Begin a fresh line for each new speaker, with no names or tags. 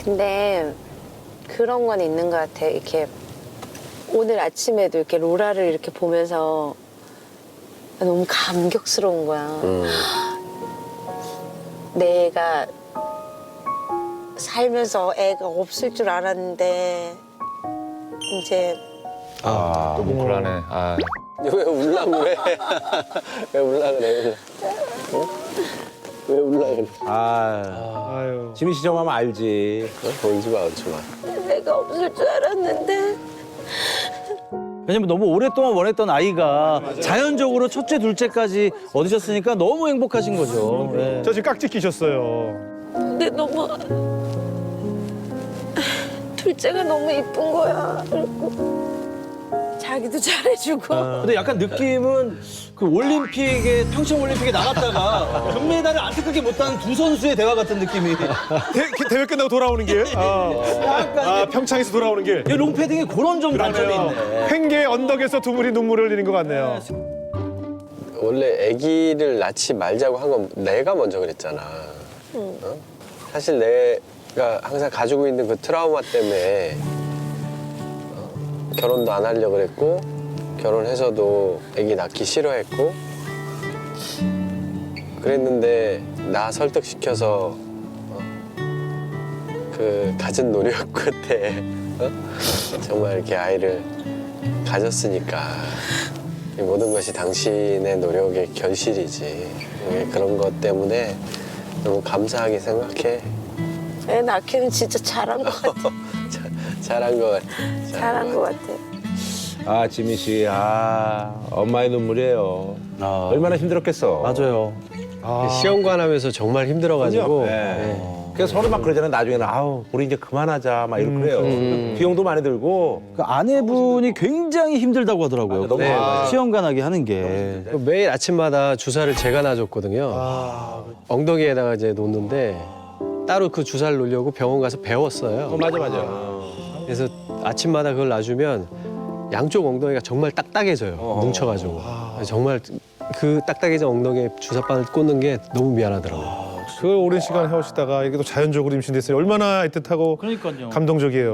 근데 그런 건 있는 것 같아. 이렇게 오늘 아침에도 이렇게 로라를 이렇게 보면서 너무 감격스러운 거야. 내가 살면서 애가 없을 줄 알았는데 이제
또 뭉클하네. 아.
왜 울라고 그래? 왜 울라 그래? 어? 왜 울라 그래?
아유. 지민 씨 정하면 알지.
울지 마, 울지 마.
내가 없을 줄 알았는데
왜냐면 너무 오랫동안 원했던 아이가 자연적으로 첫째, 둘째까지 얻으셨으니까 너무 행복하신 거죠. 네.
저 지금 깍지 끼셨어요.
근데 너무 둘째가 너무 이쁜 거야. 그리고 자기도 잘해주고.
근데 약간 느낌은 그 올림픽에 평창 올림픽에 나갔다가 금메달을 안타깝게 못한 두 선수의 대화 같은 느낌이.
대회 끝나고 돌아오는 길.
약간
평창에서 돌아오는 길.
이 롱패딩에 그런 좀 단점이 있네.
횡계 언덕에서 두 분이 눈물을 흘리는 것 같네요.
원래 아기를 낳지 말자고 한 건 내가 먼저 그랬잖아. 어? 사실 내가 항상 가지고 있는 그 트라우마 때문에 결혼도 안 하려고 그랬고 결혼해서도 아기 낳기 싫어했고 그랬는데 나 설득시켜서 그 가진 노력 끝에 정말 이렇게 아이를 가졌으니까 이 모든 것이 당신의 노력의 결실이지. 그런 것 때문에 너무 감사하게 생각해.
애 낳기는 진짜 잘한 것 같아.
잘한 것 같아.
잘한 것 같아.
아, 지민 씨. 엄마의 눈물이에요. 얼마나 힘들었겠어.
맞아요.
시험관 하면서 정말 힘들어가지고.
네. 그래서 서로 막 그러잖아요. 나중에는 아우, 우리 이제 그만하자. 막 이러고 그래요. 비용도 많이 들고.
그 아내분이 굉장히 힘들다고 하더라고요.
맞아, 너무
네,
많아.
시험관하게 하는 게.
매일 아침마다 주사를 제가 놔줬거든요. 엉덩이에다가 이제 놓는데 따로 그 주사를 놓으려고 병원 가서 배웠어요.
맞아, 맞아.
그래서 아침마다 그걸 놔주면 양쪽 엉덩이가 정말 딱딱해져요. 뭉쳐가지고. 정말 그 딱딱해진 엉덩이에 주사바늘 꽂는 게 너무 미안하더라고요.
그 오랜 시간 해오시다가 이게 또 자연적으로 임신됐어요. 얼마나 애틋하고
그러니까요.
감동적이에요.